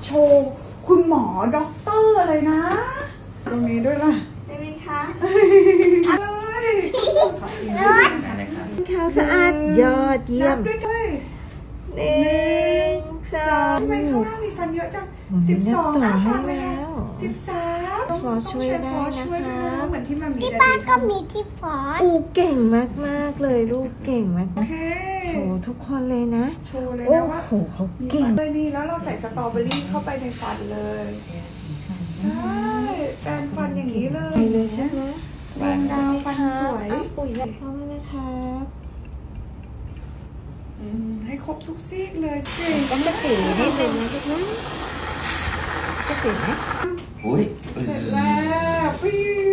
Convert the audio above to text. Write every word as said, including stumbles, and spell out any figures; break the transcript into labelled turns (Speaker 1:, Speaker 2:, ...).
Speaker 1: โชว์คุณหมอด็อกเตอร์เลยนะตรงนี้ด้วยล่ะ
Speaker 2: ได้ไหมคะ
Speaker 1: เลย
Speaker 2: ขาวสะอาดยอดเยี่ย
Speaker 1: นั
Speaker 2: ม
Speaker 1: บด้วยด้วย
Speaker 2: หนึ่งสอ
Speaker 1: สาม
Speaker 2: ง
Speaker 1: ทำไมข้างล่างมีฟันเยอะจัง
Speaker 2: อืม
Speaker 1: สิบสอง
Speaker 2: นั
Speaker 1: อ้า
Speaker 2: บต่อ
Speaker 1: ปากเลยค่ะ
Speaker 2: ให้แล้ว
Speaker 1: สิบสาม
Speaker 2: ฟอสช่วยได้
Speaker 1: ฟอสช่วยด้วย
Speaker 2: นะคะ
Speaker 1: เหมือนที่มันมี
Speaker 3: ที่
Speaker 1: ดา
Speaker 3: บ้าน
Speaker 1: ดี
Speaker 3: ก็
Speaker 1: ทำ
Speaker 3: มีที่ฟอส
Speaker 2: อูเก่งมากๆเลยลูกเก่งมาก
Speaker 1: โอเค
Speaker 2: ๆโชว์ทุกคนเลยนะ
Speaker 1: โชว์เลย
Speaker 2: โอ้
Speaker 1: นะว่า
Speaker 2: โหเขา
Speaker 1: มี
Speaker 2: เก่
Speaker 1: ฟั
Speaker 2: ง
Speaker 1: นเลยนี่แล้วเราใส่สตรอเบอรี่เข้าไปในฟันเลยใช่แปรงฟันอย่างนี้เลย
Speaker 2: ไปเลยใช่ไหม
Speaker 1: วางดาวฟันสวย
Speaker 2: อ่ะปุ๋ยเข้าเลยนะครับ
Speaker 1: อืมให้ครบทุกซีกเลยเก่ง
Speaker 2: ต้องมาตีนิดนึงนะลูกนะจะตีไหม
Speaker 4: อุ้ย
Speaker 1: เสร็จแล้วปิ้